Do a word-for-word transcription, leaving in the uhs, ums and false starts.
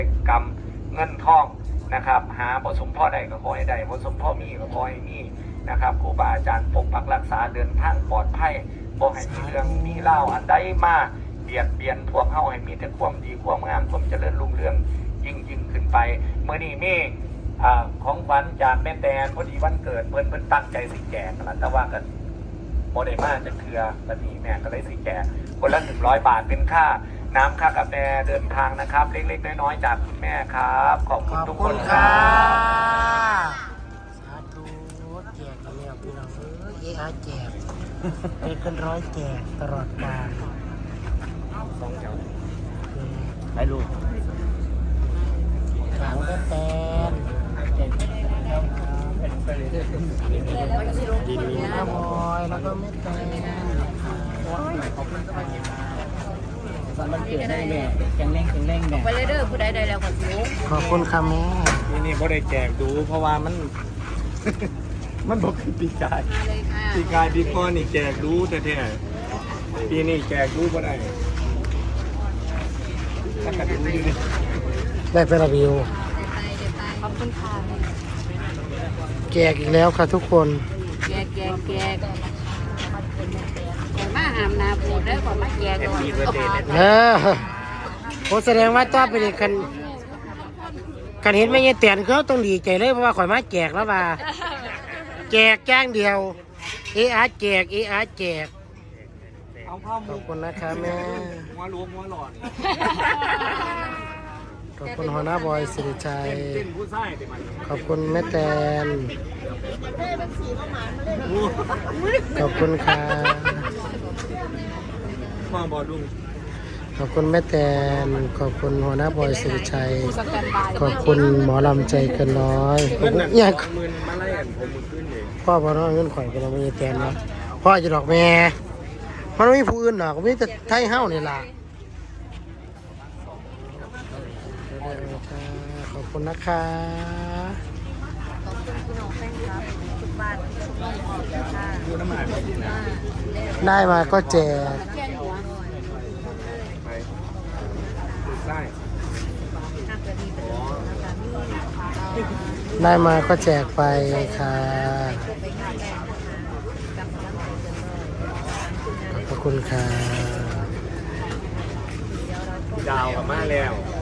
กรรมเงินทองนะครับหาบทสมพ่อใดก็ขอให้ได้บทสมพ่อมีก็ขอให้มีนะครับครูบาอาจารย์ปกปักรักษาเดินทางปลอดภัยบ่ให้มีเรื่องมีเล่าอันใดมาเบียดเบียนพวกเฮาให้มีแต่ความดีความงามความเจริญรุ่งเรืองยิ่งยิ่งขึ้นไปเมื่อนี้มีของขวัญจากแม่แตนพอดีวันเกิดเพิ่นเพิ่นตั้งใจสิแจกนั่นแหละแต่ว่ากันโมเดมาจะเถื่อวันนี้แม่ก็เลยสิแจกคนละหนึ่งร้อยบาทเป็นค่าน้ำค่ากาแฟเดินทางนะครับเล็กๆน้อยๆจากคุณแม่ครับขอบคุณทุกคนครับสาธุแจกกันแล้วพี่น้องเออเออาแจกเป็นกันร้อยแจกตลอดกาลสองแถวไปลูกของแม่แตนกินน้ำบอยแล้วก็แม่แตนขอบคุณครับสันมันเกิดได้แม่แข็งแรงแข็งแรงแม่ไปเลยเด้อผู้ใดได้แล้วก็สูงขอบคุณค่ะแม่นี่นี่บ่ได้แจกดูเพราะว่ามัน มันบอกคือปีกายปีกายปีก้อนนี่แจกดูแท้ๆปีนี้แจกดูบ่ได้ถ้ากระดูอยู่นี่ได้เป็นระวิวขอบคุณค่ะแจกอีกแล้วค่ะทุกคนแจกแจกแจกมาหามนาปูได้ก่อนมาแจกก่อนเออผมแสดงว่าต้อเป็นคันคันเห็นไม่เงี้ยเตียนเขาต้องดีใจเลยเพราะว่าข่อยมาแจกแล้วว่าแจกแจ้งเดียวเออาแจกเออาแจกขอบคุณนะคะแม่หัวล้วงหัวหลอดขอบคุณหัวหน้าบอยสิริชัยขอบคุณแม่แตนขอบคุณค่ะมาบอดุงขอบคุณแม่แตนขอบคุณหัวหน้าบอยสิริชัยขอบคุณหมอลำใจเกินร้อยอยากพ่อพ่อน้องเงินข่อยเป็นอะไรแตนเนาะพ่อจะดอกแม่มันไม่มีผู้อื่นหรอกไม่แต่ไทยเฮ้านี่ล่ะขอบคุณนะคะขอบคุณพี่น้องแฟนคลับทุกบ้านทุกครอบครัวค่ะได้มาก็แจกได้มาก็แจกไปค่ะขอบคุณค่ะดาวกับมาแล้ว